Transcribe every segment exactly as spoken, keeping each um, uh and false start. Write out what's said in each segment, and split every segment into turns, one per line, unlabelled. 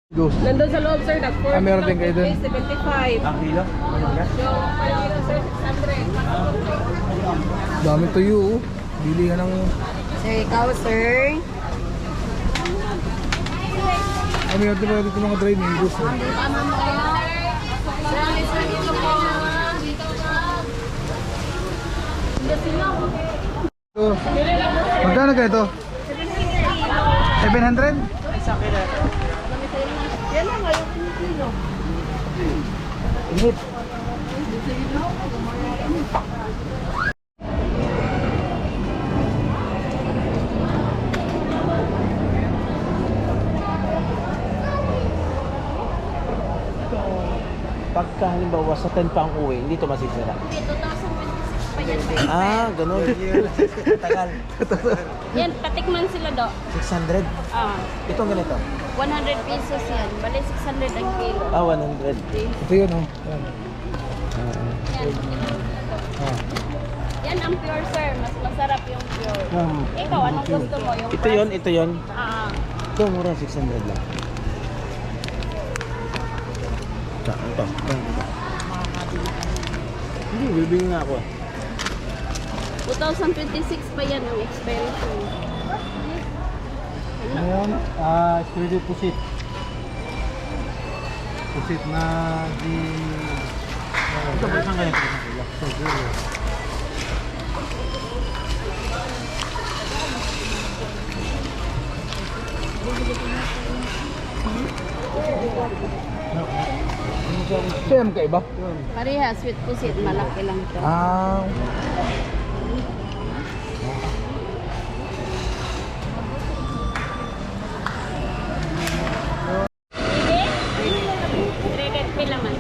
Go.
Nandun sa loob, sir. Nag-four
Ah, meron din kayo dun?
seventy-five.
Ang kilo? Ano ka?
Yung five kilo, sir, six hundred.
Dami tuyo, oh. Bili ka ng...
Sir, ikaw, sir.
Ah, meron din pala dito mga dry mangoes. Oh. Ito. Magkano ka ito? seven hundred?
Yan lang, ngayon kilo.
Init.
Pagka halimbawa sa ten pa ang uwi, hindi ito masisira.
two thousand twenty-six pa yan.
Ah, ganun. Tagal.
Yan, patikman sila do.
six hundred.
Ah,
Itong ganito.
one hundred pesos yan. Bali, six hundred ang kilo.
Ah, one hundred.
Ito yun, oh. Ayan.
Yan. Yan ang pure, sir. Mas masarap yung pure.
Um,
Ikaw, anong gusto mo? Yung
ito yon, ito yon.
Ah,
Ito, mura, six hundred lang. Ito, ito. ito. Hindi, bibili nga ako.
two thousand twenty-six pa yan ang expiration.
Ngayon, ah, uh, pusit. Pusit na di...
Ito, isang ganito. Isang kilo.
Sa'yo mo kaiba?
Pareha, sweet pusit. Malaki lang ito.
Ah,
Three pila man.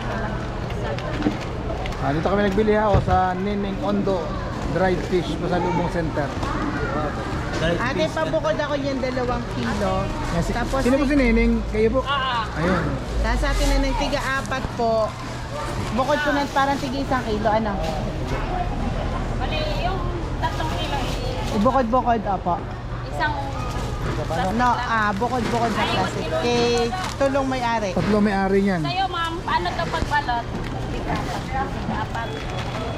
ah, dito kami nagbili ha, oh, sa Nining Ondo Dried Fish Pasalubong Center.
Ate, pabukod ako yung dalawang kilo.
Yan, si,
Tapos,
sino po si Nining? Kayo po?
Ah,
Ayun.
Tapos sa atin na ng tiga-apat po. Bukod po ng parang tiga isang kilo. Ano?
bali, yung tatlong kilo, i-
Bukod-bukod, opo.
isang
No, ah, bukod-bukod na plastic. Kay tulong may-ari.
Tatlo may-ari niyan.
Sa'yo, ma'am, paano to pagbalot? Apat.